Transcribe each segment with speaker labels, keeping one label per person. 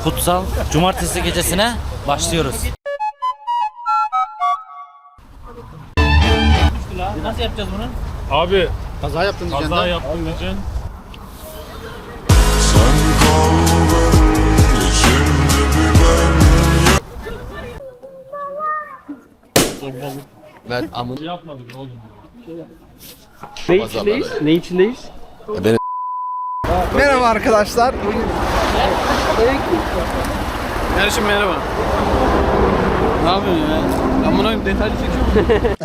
Speaker 1: kutsal cumartesi gecesine başlıyoruz. Nasıl yapacağız bunu?
Speaker 2: Abi
Speaker 3: Kaza yaptın diyeceksin.
Speaker 2: kaza yaptın diyeceksin.
Speaker 3: Ben amın.
Speaker 2: Yapmadık oğlum.
Speaker 4: Ne içindeyiz? Ne içindeyiz?
Speaker 3: Merhaba arkadaşlar. Bugün
Speaker 4: Kardeşim merhaba. Ne yapıyorsun ya? Ben buna detaylı çekiyorum.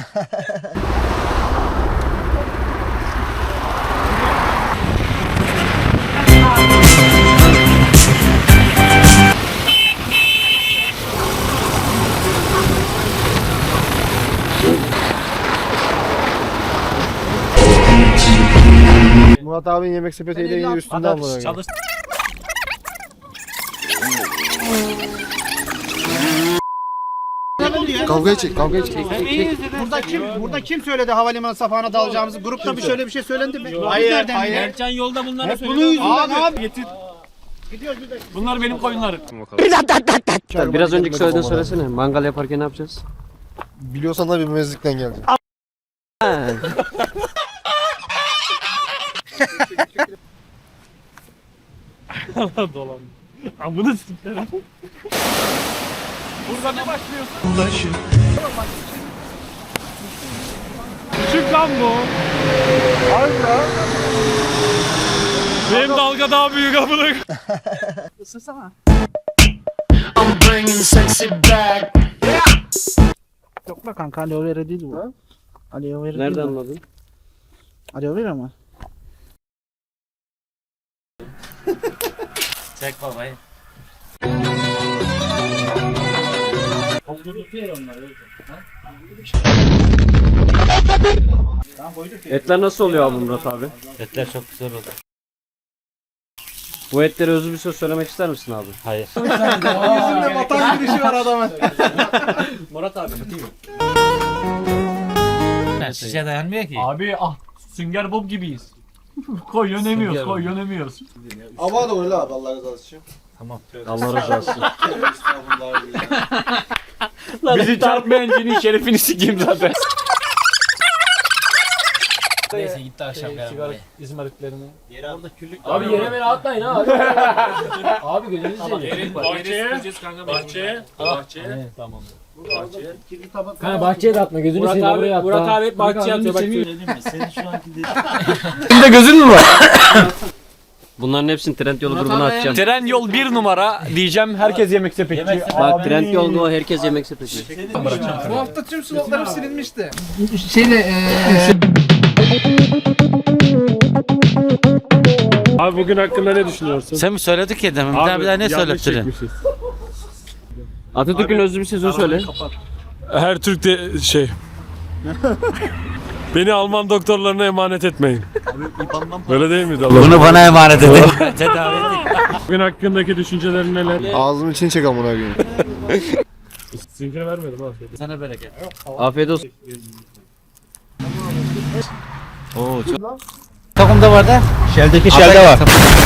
Speaker 3: Murat abinin yemek sepetiyle yine üstünde amına.
Speaker 1: Çalış.
Speaker 3: Kavgaya çek, kavgaya çek.
Speaker 5: Burada kim söyledi havalimanı safhana dalacağımızı? Grupta bir şöyle bir şey söylendi mi?
Speaker 4: Hayır.
Speaker 1: Ercan yolda bunları
Speaker 5: Bunun yüzünden abi.
Speaker 2: Getir. Bunlar benim koyunlarım.
Speaker 4: Biraz önceki söylediğini söylesene. Mangal yaparken ne yapacağız?
Speaker 3: Biliyorsan da bir mezlikten geldi.
Speaker 2: Allah dolan. Amına sikerim. Burada ne başlıyorsun? Küçük lan bu. Harbi lan. Benim dalga daha büyük amına.
Speaker 5: Yok be kanka aloe vera değil bu. Aloe vera
Speaker 4: Nereden
Speaker 5: değil bu.
Speaker 4: anladın?
Speaker 5: Aloe vera mı?
Speaker 1: Çek babayı.
Speaker 4: Etler nasıl oluyor abi Murat abi?
Speaker 1: Etler çok güzel oldu.
Speaker 4: Bu etlere özlü bir söz söylemek ister misin abi?
Speaker 1: Hayır.
Speaker 3: Yüzünde vatan girişi var adamın.
Speaker 4: Murat abi.
Speaker 1: Şişe dayanmıyor ki.
Speaker 2: Abi Sünger Bob gibiyiz. Koy yönemiyoruz, koy yönemiyoruz.
Speaker 3: Ama da öyle abi Allah razı olsun.
Speaker 4: Allah razı olsun.
Speaker 2: Bizi çarpmayan cinin şerefini sikeyim zaten.
Speaker 1: Neyse gitti akşam
Speaker 2: Sigara izmaritlerini.
Speaker 6: Abi yere beni atmayın ha. Abi gözünüzü seveyim.
Speaker 2: Bahçeye.
Speaker 6: Tamam. Kanka bahçeye de atma gözünü seveyim buraya at.
Speaker 2: Murat abi hep bahçeye atıyor bak.
Speaker 1: Senin şu anki
Speaker 4: Senin de gözün mü var? Bunların hepsini Trendyol grubuna atacağım.
Speaker 2: Tren yol 1 numara diyeceğim. Herkes yemek sepetçi.
Speaker 4: Bak Trendyol Go herkes yemek sepeti.
Speaker 3: Bu hafta tüm slotlarım silinmişti.
Speaker 2: Abi bugün hakkında ne düşünüyorsun?
Speaker 1: Sen mi söyledik ya demin? Bir daha ne
Speaker 2: yanlış
Speaker 1: söylettirin?
Speaker 2: çekmişiz.
Speaker 4: Atatürk'ün özlü bir sözü söyle.
Speaker 2: Her Türk de Beni Alman doktorlarına emanet etmeyin. Öyle değil miydi Allah?
Speaker 1: Bunu bana emanet edin. Tedavi edin.
Speaker 2: Bugün hakkındaki düşüncelerin neler?
Speaker 3: Ağzımın içini çek amına koyayım.
Speaker 2: Sinkini vermedim abi.
Speaker 1: Sana bereket.
Speaker 4: Afiyet olsun.
Speaker 1: Oo çok. Takımda var da.
Speaker 4: Şeldeki şelde var.